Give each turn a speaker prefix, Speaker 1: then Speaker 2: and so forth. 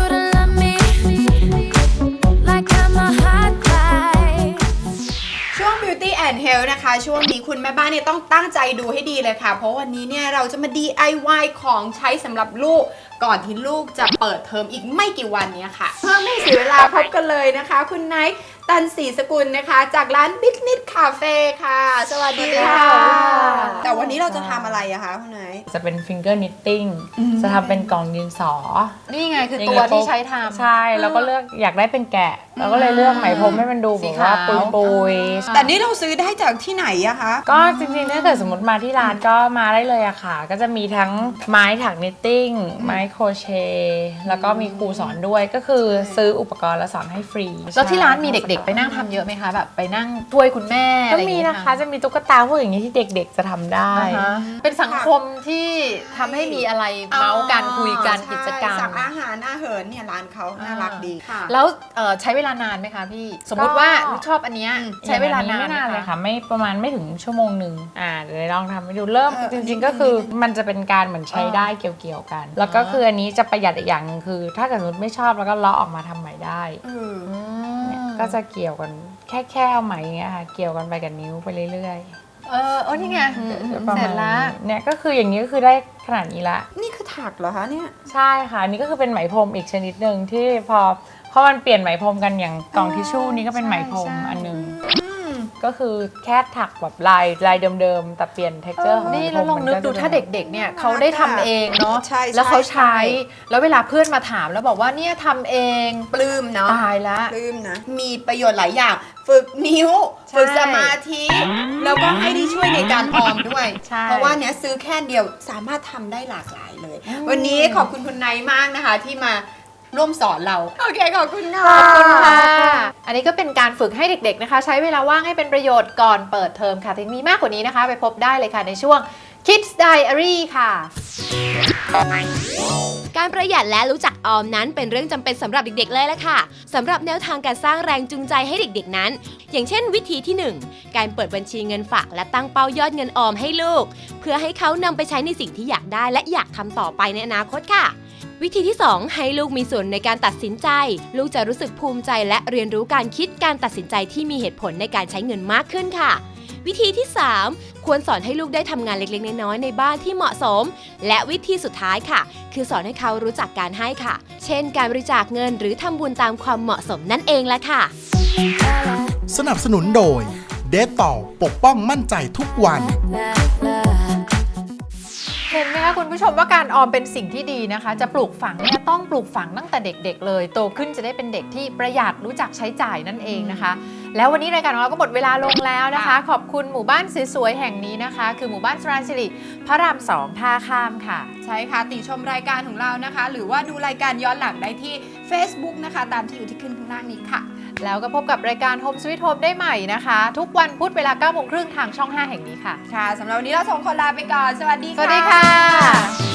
Speaker 1: to love me like I'm a hot light
Speaker 2: ช่วง Beauty and Health นะคะช่วงนี้คุณแม่บ้านเนี่ยต้องตั้งใจดูให้ดีเลยค่ะเพราะวันนี้เนี่ยเราจะมา DIY ของใช้สำหรับลูกก่อนที่ลูกจะเปิดเทอมอีกไม่กี่วันเนี้ยค่ะเพื่อไม่เสียเวลาพบกันเลยนะคะคุณไนท์ตันศรีสกุลนะคะจากร้าน Business Cafe ค่ะสวัสดีค่ะแต่วันนี้เราจะทำอะไรอะคะคุณไนท์
Speaker 3: จะเป็น finger knitting จะทำเป็นกล่องดินสอ
Speaker 4: นี่ไงคือตัวที่ใช้ทำ
Speaker 3: ใช่แล้วก็เลือกอยากได้เป็นแกะแล้วก็เลยเลือกไหมพรมให้มันดูแบบว่าปุยๆ
Speaker 2: แต่นี่เราซื้อได้จากที่ไหนอะคะ
Speaker 3: ก็จริงๆถ้าเกิดสมมติมาที่ร้านก็มาได้เลยอะค่ะก็จะมีทั้งไม้ถัก knitting ไม้โครเชต์แล้วก็มีครูสอนด้วยก็คือซื้ออุปกรณ์แล้วสอนให้ฟรี
Speaker 4: แล้วที่ร้านมีเด็กๆไปนั่งทำเยอะไหมคะแบบไปนั่งช่วยคุณแม่อะไรอย่าง
Speaker 3: มี
Speaker 4: เงี้ย
Speaker 3: นะคะจะมีตุ๊กตาพวกอย่างนี้ที่เด็กๆจะทำได้
Speaker 4: เป็นสังคมที่ทำให้มีอะไรเมาส์กันคุยกันกิจกรรม
Speaker 2: สั่งอาหารอาหารเนี่ยร้านเขาน่ารักดี
Speaker 4: แล้วใช้เวลานานไหมคะพี่สมมติว่าชอบอันเนี้ยใช้เวลานาน
Speaker 3: ไม่นานเลยค่ะไม่ประมาณไม่ถึงชั่วโมงหนึ่งเดี๋ยวลองทำให้ดูเริ่มจริงๆก็คือมันจะเป็นการเหมือนใช้ได้เกี่ยวๆกันแล้วก็คืออันนี้จะประหยัดอีกอย่างนึงคือถ้าเกิดสมมติไม่ชอบแล้วก็เลาะออกมาทำใหม่ได้ก็จะเกี่ยวกันแค่เอาไหมเงี้ยค่ะเกี่ยวกันไปกับนิ้วไปเรื่อย
Speaker 4: ๆนี่ไงเสร็จแล้ว
Speaker 3: เนี่ยก็คืออย่างนี้ก็คือได้ขนาดนี้ละ
Speaker 2: นี่คือถักเหรอคะเนี่ย
Speaker 3: ใช่ค่ะนี่ก็คือเป็นไหมพรมอีกชนิดหนึ่งที่พอมันเปลี่ยนไหมพรมกันอย่างกล่องทิชชู่นี้ก็เป็นไหมพรมอันนึงก็คือแค่ถักแบบลายเดิมๆแต่เปลี่ยน texture ของ
Speaker 4: นี่แล้วลองนึกดูถ้าเด็กๆเนี่ยเขาได้ทำเองเนาะแล้วเขาใช้แล้วเวลาเพื่อนมาถามแล้วบอกว่าเนี่ยทำเอง
Speaker 2: ปลื้มเนาะ
Speaker 4: ตายละ
Speaker 2: ปลื้มนะมีประโยชน์หลายอย่างฝึกนิ้วฝึกสมาธิแล้วก็ให้ได้ช่วยในการออมด้วยเพราะว่าเนี้ยซื้อแค่เดียวสามารถทำได้หลากหลายเลยวันนี้ขอบคุณคุณไนท์มากนะคะที่มาร่วมสอนเราโอเคขอบคุณค่ะ
Speaker 4: ขอบคุณค่ะอันนี้ก็เป็นการฝึกให้เด็กๆนะคะใช้เวลาว่างให้เป็นประโยชน์ก่อนเปิดเทอมค่ะถึงมีมากกว่านี้นะคะไปพบได้เลยค่ะในช่วง Kids Diary ค่ะ
Speaker 5: การประหยัดและรู้จักออมนั้นเป็นเรื่องจำเป็นสำหรับเด็กๆเลยละค่ะสำหรับแนวทางการสร้างแรงจูงใจให้เด็กๆนั้นอย่างเช่นวิธีที่ 1 การเปิดบัญชีเงินฝากและตั้งเป้ายอดเงินออมให้ลูกเพื่อให้เขานำไปใช้ในสิ่งที่อยากได้และอยากทำต่อไปในอนาคตค่ะวิธีที่ 2 ให้ลูกมีส่วนในการตัดสินใจลูกจะรู้สึกภูมิใจและเรียนรู้การคิดการตัดสินใจที่มีเหตุผลในการใช้เงินมากขึ้นค่ะวิธีที่ 3 ควรสอนให้ลูกได้ทำงานเล็กๆน้อยๆในบ้านที่เหมาะสมและวิธีสุดท้ายค่ะคือสอนให้เขารู้จักการให้ค่ะเช่นการบริจาคเงินหรือทำบุญตามความเหมาะสมนั่นเองแหละค่ะ
Speaker 6: สนับสนุนโดยเดตต่อปกป้องมั่นใจทุกวัน
Speaker 4: เห็นไหมคะคุณผู้ชมว่าการออมเป็นสิ่งที่ดีนะคะจะปลูกฝังเนี่ยต้องปลูกฝังตั้งแต่เด็กๆเลยโตขึ้นจะได้เป็นเด็กที่ประหยัดรู้จักใช้จ่ายนั่นเองนะคะแล้ววันนี้รายการของเราก็หมดเวลาลงแล้วนะคะขอบคุณหมู่บ้านสวยๆแห่งนี้นะคะคือหมู่บ้านสราญสิริพระราม 2ท่าข้ามค่ะ
Speaker 2: ใช่ค่ะติชมรายการของเรานะคะหรือว่าดูรายการย้อนหลังได้ที่ Facebook นะคะตามที่อยู่ที่ขึ้นข้างล่างนี้ค่ะ
Speaker 4: แล้วก็พบกับรายการ Home Sweet Home ได้ใหม่นะคะทุกวันพุธเวลา 9:30 นทางช่อง 5 แห่งนี้ค่ะ
Speaker 2: ค่ะสำหรับวันนี้เรา2 คนลาไปก่อนสวัสดีค่ะ
Speaker 4: สวัสดีค่ะ